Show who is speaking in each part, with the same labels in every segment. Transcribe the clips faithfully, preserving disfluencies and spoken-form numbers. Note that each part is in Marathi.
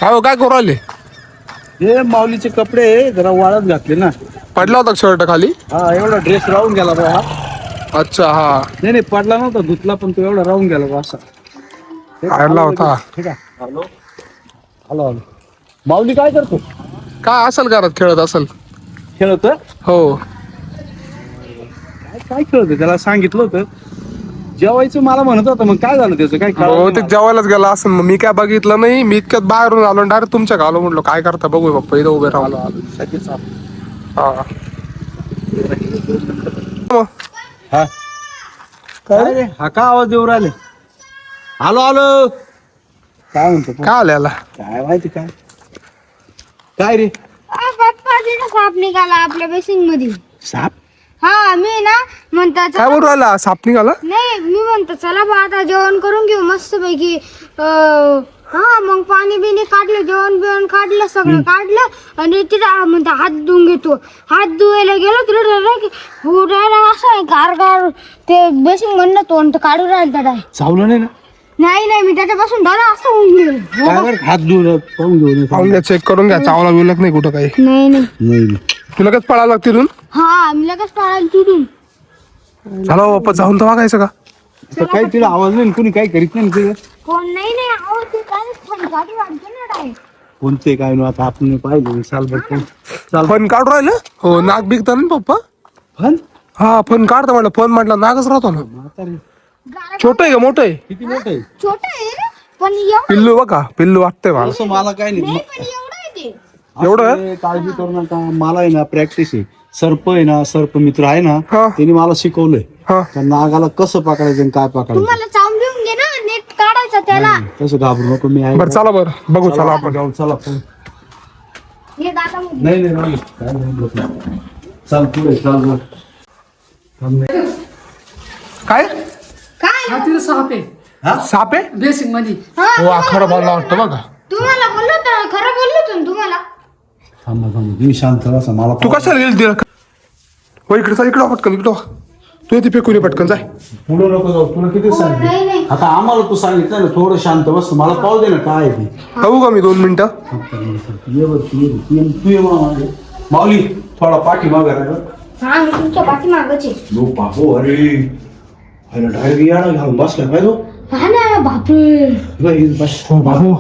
Speaker 1: काय हो काय करू राहिले?
Speaker 2: हे माऊलीचे कपडे जरा वाळत घातले ना.
Speaker 1: पडला होता शर्ट खाली?
Speaker 2: हा एवढा ड्रेस राहून गेला बा.
Speaker 1: अच्छा हा.
Speaker 2: नाही नाही पडला नव्हता धुतला पण तो एवढा राहून गेला बा असा.
Speaker 1: आडला होता.
Speaker 2: ठीक आहे. Hello hello hello. माऊली काय करतो?
Speaker 1: काय असेल घरात खेळत असेल.
Speaker 2: खेळत?
Speaker 1: हो.
Speaker 2: काय काय खेळत त्याला सांगितलं होतं जेवायचं मला म्हणत होतं मग काय झालं त्याचं काय
Speaker 1: हो
Speaker 2: कळलं
Speaker 1: ते जेवायलाच गेला असं मग मी काय बघितलं नाही. मी इतक्यात बाहेरून आलो डायरेक्ट तुमच्या आलो म्हणलो काय करता बघू पप्पा इथं उभे राहून. हा
Speaker 2: हा काय रे हा का आवाज देऊ राहिले? आलो आलो काय म्हणतो
Speaker 1: काय आल्याला?
Speaker 2: काय माहिती काय काय रे?
Speaker 3: पप्पा तिथे साप निघाला आपल्या बेसिंग मध्ये.
Speaker 2: साप?
Speaker 3: हा मी ना म्हणता
Speaker 1: काय बोलू राहिला? साप निघाला?
Speaker 3: नाही मी म्हणतो चला बा आता जेवण करून घेऊ मस्त पैकी. हा मग पाणी बिणी काढलं जेवण बिवण काढलं सगळं काढलं आणि तिथं म्हणता हात धुवून घेतो. हात धुवायला गेलो तिथे डायरेक्ट असं गार गार ते बेसिंग म्हणलं तोंड काढून राहिलं डाय.
Speaker 2: चावलं नाही ना?
Speaker 3: नाही नाही मी त्याच्यापासून दादा असं होऊन गेलो.
Speaker 2: काय बरं हात धुवून पाहून घेऊन
Speaker 1: पाहून घ्या चेक करून घ्या चावला बिवलक नाही कुठं काही.
Speaker 3: नाही नाही
Speaker 2: नाही
Speaker 1: तुला लगेच पळायला लागते तिथून?
Speaker 3: हा मी लगेच पळायला तिथून.
Speaker 1: झाला बाप्पा जाऊन तर बघायचं का?
Speaker 2: तर काही तिला आवाज नाही कुणी काही करीत नाही तिला.
Speaker 3: कोण नाही नाही आहो ते काय गाडी वाढते ना डाय.
Speaker 2: कोणते काय ना आता आपण पाहिलं साल भर चाल
Speaker 1: फन काढू राहिलं? हो नाक बिकता ना पप्पा?
Speaker 2: फन
Speaker 1: हा फन काढता म्हटलं फन म्हटलं नाकच राहतो ना.
Speaker 2: म्हातारी
Speaker 1: छोट आहे का मोठं आहे?
Speaker 2: किती मोठं आहे?
Speaker 3: छोट आहे रे, पण एवढं
Speaker 1: पिल्लू बघा पिल्लू वाटतंय मला.
Speaker 2: असं मला काय नाही
Speaker 3: नाही पण एवढं आहे ते.
Speaker 1: एवढं?
Speaker 2: असं काळजी करू नका मला आहे ना प्रॅक्टिस आहे. सर्प आहे ना सर्प मित्र आहे ना
Speaker 1: हा.
Speaker 2: त्यांनी मला शिकवलंय
Speaker 1: हा
Speaker 2: त्या नागाला कसं पकडायचं आणि काय पकडायचं.
Speaker 3: तुम्हाला चावून घेऊन घे ना नेट काढायचा त्याला.
Speaker 2: तसं घाबरू नको मी आहे.
Speaker 1: बरं चला बरं बघू चला आपण.
Speaker 2: जाऊ चला पुढे.
Speaker 3: हे दादा मध्ये.
Speaker 2: नाही नाही नाही काय नाही बोलत नाही. चल पुढे चल वर. थांब नाही.
Speaker 1: काय
Speaker 3: काय
Speaker 4: हा तिथं साप आहे
Speaker 1: साप आहे?
Speaker 4: बेसिंग मध्ये.
Speaker 3: हा,
Speaker 1: हो हा खरं बोलला वाटतं बघा.
Speaker 3: तुम्हाला बोललो तर खरं बोललो होतो ना तुम्हाला.
Speaker 2: थांबा थांबा तुम्ही शांत बसा मला
Speaker 1: तू कशाला गेली तिला? हो इकडे चाल इकडं पटकन इकडं तू येते फेकून ये पटकन जाय.
Speaker 2: पुढे नको जाऊ तुला किती
Speaker 3: नाही,
Speaker 2: सांगितलं
Speaker 3: नाही.
Speaker 2: आता आम्हाला तू सांगितलं ना थोडं शांत बस मला पाहू दे ना काय आहे ते.
Speaker 1: बघू का मी दोन मिनिटं?
Speaker 2: ये बघ तू ये तू ये तू ये मामा. माऊली थोडा पाठी मागा रे.
Speaker 3: हा मी तुमच्या पाठीमागच आहे.
Speaker 2: लो बाबू अरे अरे डायरेक्ट याडा घालून बसला काय तो.
Speaker 3: हा ना बापरे.
Speaker 2: बाई, बस हो बाबू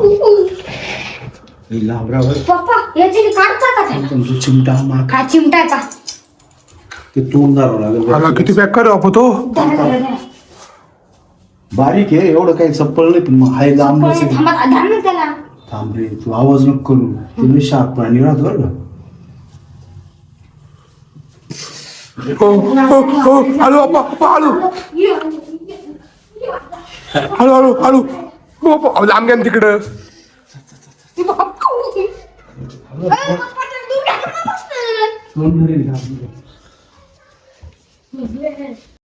Speaker 2: लाभरावर
Speaker 3: पप्पा याची काढता का त्याला?
Speaker 2: तुमची चिमटा माग
Speaker 3: हा चिमटा आहे का?
Speaker 2: ते तोंड दारावं लागेल
Speaker 1: मला किती पॅक कर बापू तो.
Speaker 3: धरा, धरा, धरा.
Speaker 2: बारीक आहे एवढं काही चप्पल नाही पण मग हाय लांब
Speaker 3: पण
Speaker 2: नसेल.
Speaker 3: थांबा धरा ना त्याला.
Speaker 2: थांब रे तू आवाज नको करू तुम्ही शार्प प्राणी राहत बरं का.
Speaker 1: हो हो हो hello Bappa Bappa hello hello hello hello हो बाप्पा लांब घ्या ना तिकडं.
Speaker 3: ए, पप्पा, त्याला दूर नका बसू.
Speaker 2: तोंड धरेल का?